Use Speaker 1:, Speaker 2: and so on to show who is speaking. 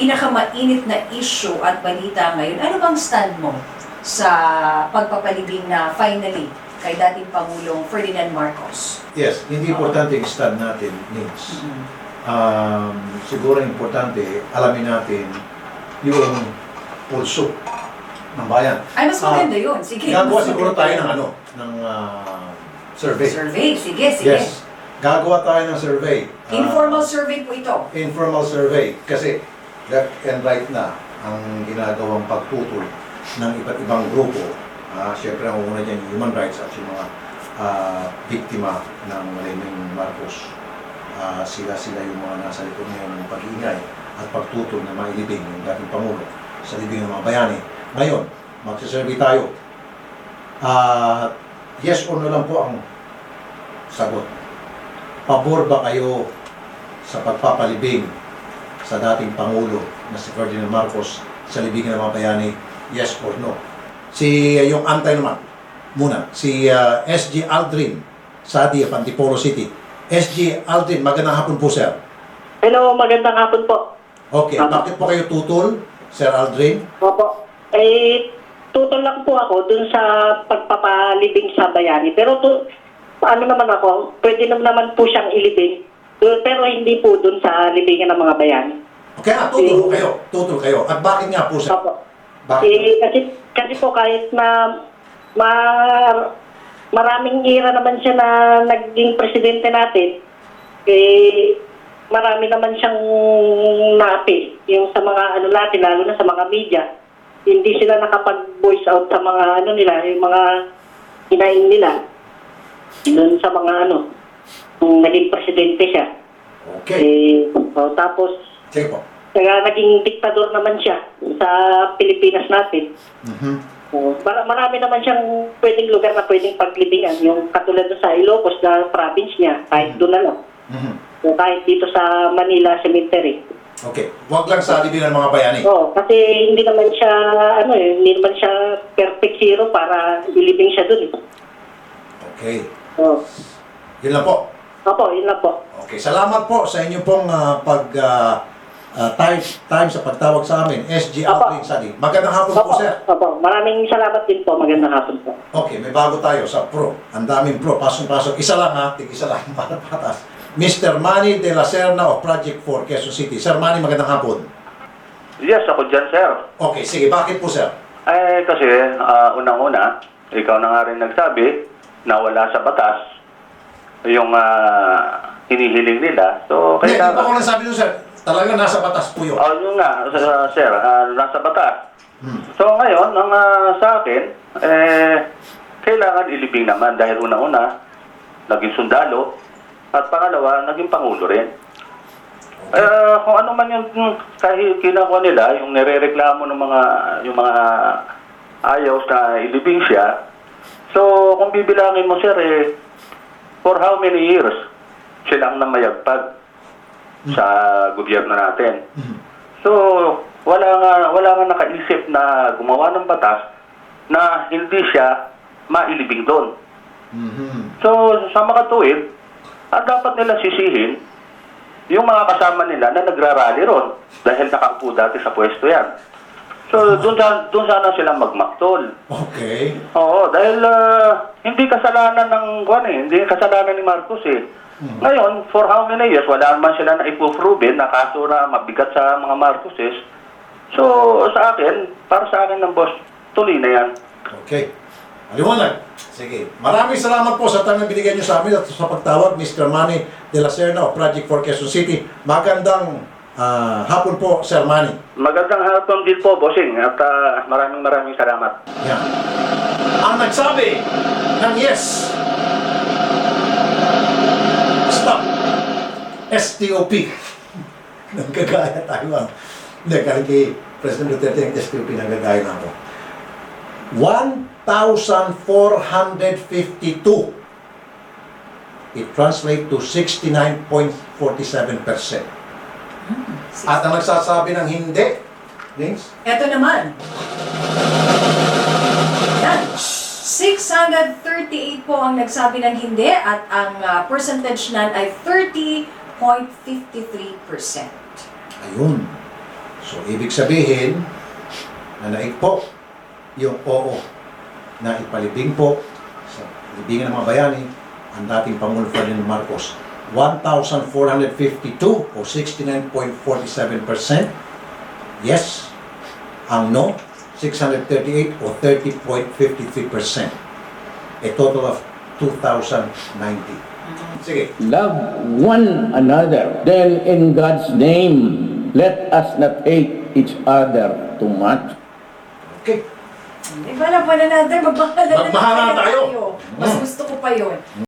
Speaker 1: pinakamainit na issue at balita ngayon. Ano bang stand mo sa pagpapalibing na finally kay dating Pangulong Ferdinand Marcos?
Speaker 2: Yes, hindi importante yung stand natin, Nins. Siguro importante, alamin natin yung pulso ng bayan.
Speaker 1: Ay, mas maganda yun. Sige.
Speaker 2: Gagawa
Speaker 1: mas
Speaker 2: siguro
Speaker 1: maganda
Speaker 2: tayo
Speaker 1: yun.
Speaker 2: ng survey.
Speaker 1: Survey. Sige, sige.
Speaker 2: Yes. Gagawa tayo ng survey.
Speaker 1: Informal survey po ito.
Speaker 2: Informal survey. Kasi left and right na ang ginagawang pagtutol ng iba't ibang grupo. Siyempre, ang una dyan yung human rights at yung mga biktima ng Maliming Marcos. Sila yung mga nasa likod ngayon ng pag-iingay at pagtutol na mailibing yung dating Pangulo sa libing ng mga bayani. Ngayon, magsasurvey tayo. Yes or no lang po ang sagot. Pabor ba kayo sa pagpapalibing sa dating Pangulo na si Ferdinand Marcos sa libingan ng mga bayani? Yes or no? Yung antay naman, muna, si SG Aldrin Sadi of Antipolo City. SG Aldrin, magandang hapon po, sir.
Speaker 3: Hello, magandang hapon po.
Speaker 2: Okay, bakit po kayo tutol, Sir Aldrin?
Speaker 3: Opo. Tutol lang po ako dun sa pagpapalibing sa bayani. Pero ano naman ako, pwede naman po siyang ilibing. Pero hindi po dun sa libingan ng mga bayani.
Speaker 2: Okay, tutol kayo. Tutol kayo. At bakit nga po, sir?
Speaker 3: Opo.
Speaker 2: Bakit?
Speaker 3: Kasi po kahit na maraming ira naman siya na naging presidente natin, marami naman siyang napi. Yung sa mga ano natin, lalo na sa mga media, hindi sila nakapag-voice out sa mga nila, yung mga hinaing nila. Doon sa mga nung naging presidente siya.
Speaker 2: Okay.
Speaker 3: Tapos,
Speaker 2: Sige po.
Speaker 3: naging diktador naman siya sa Pilipinas natin. Marami naman siyang pwedeng lugar na pwedeng paglibingan. Yung katulad sa Ilocos na province niya, kahit doon na lang. O kahit dito sa Manila Cemetery.
Speaker 2: Okay. Huwag lang sa libingan ng mga bayani.
Speaker 3: Oo, kasi hindi naman siya, hindi naman siya perfect hero para ilibing siya doon.
Speaker 2: Okay.
Speaker 3: Oo.
Speaker 2: Yun lang po.
Speaker 3: Opo, yun lang po.
Speaker 2: Okay. Salamat po sa inyo pong time sa pagtawag sa amin. SG Aldrin Sadi. Magandang hapon po, sir.
Speaker 3: Opo, maraming salamat din po. Magandang hapon po.
Speaker 2: Okay, may bago tayo sa pro. Ang daming pro. Pasok-pasok. Isa lang ha. Tig-isa lang para patas. Mr. Manny de la Serna of Project 4, Quezon City. Sir Manny, magandang hapon.
Speaker 4: Yes, ako dyan, sir.
Speaker 2: Okay, sige. Bakit po, sir?
Speaker 4: Kasi unang-una, ikaw na nga rin nagsabi na wala sa batas yung hinihiling nila. So,
Speaker 2: Hindi
Speaker 4: kaya...
Speaker 2: pa ko lang sabi nun, sir. Talagang nasa batas po yun.
Speaker 4: Yun nga, sir, nasa batas. So, ngayon, ang sa akin, kailangan ilibing naman dahil unang-una, naging sundalo, at pangalawa, naging pangulo rin. Kung ano man yung kinakuha nila, yung nirereklamo ng yung mga ayaw na ilibing siya. So, kung bibilangin mo, sir, for how many years sila ang namayagpag sa gobyerno natin? So, wala nga nakaisip na gumawa ng batas na hindi siya mailibing doon. So, sa makatuwid, dapat nila sisihin yung mga kasama nila na nagrarally ron dahil nakaupo dati sa pwesto yan. So, doon sana sila magmaktol.
Speaker 2: Okay.
Speaker 4: Oo, dahil hindi kasalanan ng hindi kasalanan ni Marcos eh. Ngayon, for how many years, wala naman sila na ipuproven na kaso na mabigat sa mga Marcoses. So, sa akin, para sa akin ng boss, tuloy na yan.
Speaker 2: Okay. Maliwanag. Sige. Maraming salamat po sa tanong binigyan niyo sa amin at sa pagtawag, Mr. Manny de la Serna of Project 4 Quezon City. Magandang hapon po, Sir Manny.
Speaker 4: Magandang hapon din po, bossing, at maraming salamat.
Speaker 2: Yan. Ang nagsabi ng yes. Stop. STOP. Nagkagaya tayo. Hindi, kahit kay President Duterte ng STOP, nagkagaya na ako. 1,452. It translates to 69.47%. At ang nagsasabi ng hindi, Lings?
Speaker 1: Ito naman. Yan. 638 po ang nagsabi ng hindi at ang percentage nan ay 30.53%.
Speaker 2: Ayun. So, ibig sabihin na naig po yung oo na ipalibing po sa libingan ng mga bayani ang dating Pangulo Ferdinand Marcos. 1,452 o 69.47%. Yes. Ang no, 638 o 30.53%. A total of 2,090. Sige.
Speaker 5: Love one another. Then in God's name, let us not hate each other too much.
Speaker 2: Okay.
Speaker 1: Iba na natin, magmahalan
Speaker 2: Magmahalan tayo.
Speaker 1: Mas gusto ko pa yun.